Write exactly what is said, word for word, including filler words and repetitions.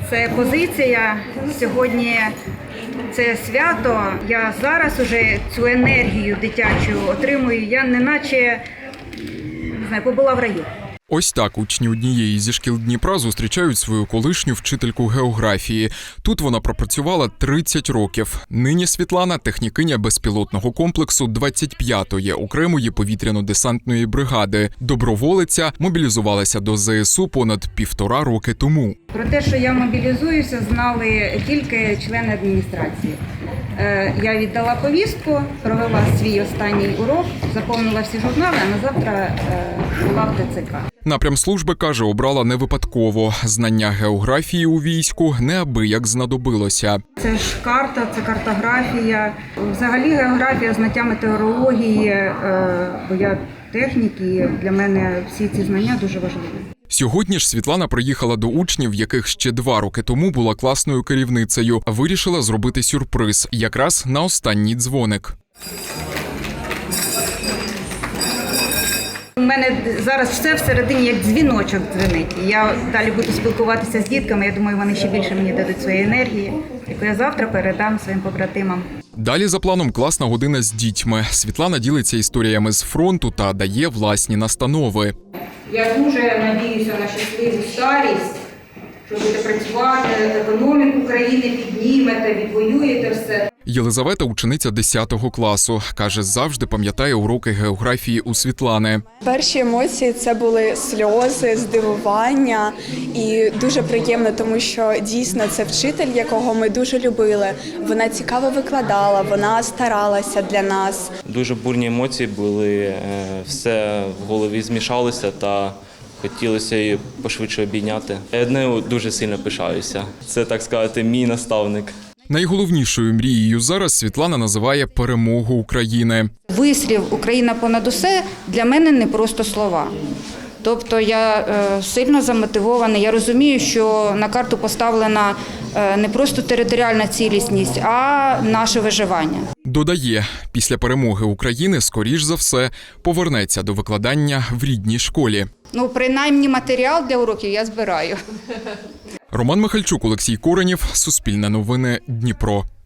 Це позиція. Сьогодні це свято. Я зараз уже цю енергію дитячу отримую. Я неначе, не знаю, побула в раю. Ось так учні однієї зі шкіл Дніпра зустрічають свою колишню вчительку географії. Тут вона пропрацювала тридцять років. Нині Світлана – технікиня безпілотного комплексу двадцять п'ятої окремої повітряно-десантної бригади. Доброволиця мобілізувалася до зе ес у понад півтора роки тому. Про те, що я мобілізуюся, знали тільки члени адміністрації. Я віддала повістку, провела свій останній урок, заповнила всі журнали, а на завтра була в те це ка. Напрям служби, каже, обрала не випадково. Знання географії у війську неабияк знадобилося. Це ж карта, це картографія. Взагалі географія, знаття метеорології, бо я технік, і для мене всі ці знання дуже важливі. Сьогодні ж Світлана приїхала до учнів, яких ще два роки тому була класною керівницею. Вирішила зробити сюрприз, якраз на останній дзвоник. У мене зараз все всередині як дзвіночок дзвенить. Я далі буду спілкуватися з дітками, я думаю, вони ще більше мені дадуть своєї енергії, яку я завтра передам своїм побратимам. Далі за планом класна година з дітьми. Світлана ділиться історіями з фронту та дає власні настанови. Я дуже надіюся на щасливу старість, що будете працювати, економіку країни піднімете, відвоюєте все. Єлизавета – учениця десятого класу. Каже, завжди пам'ятає уроки географії у Світлани. Перші емоції – це були сльози, здивування і дуже приємно, тому що дійсно це вчитель, якого ми дуже любили. Вона цікаво викладала, вона старалася для нас. Дуже бурні емоції були, все в голові змішалося та хотілося її пошвидше обійняти. Я нею дуже сильно пишаюся. Це, так сказати, мій наставник. Найголовнішою мрією зараз Світлана називає перемогу України. Вислів «Україна понад усе» для мене не просто слова. Тобто я е, сильно замотивована, я розумію, що на карту поставлена е, не просто територіальна цілісність, а наше виживання. Додає, після перемоги України, скоріш за все, повернеться до викладання в рідній школі. Ну, принаймні матеріал для уроків я збираю. Роман Михальчук, Олексій Коренєв, Суспільне новини, Дніпро.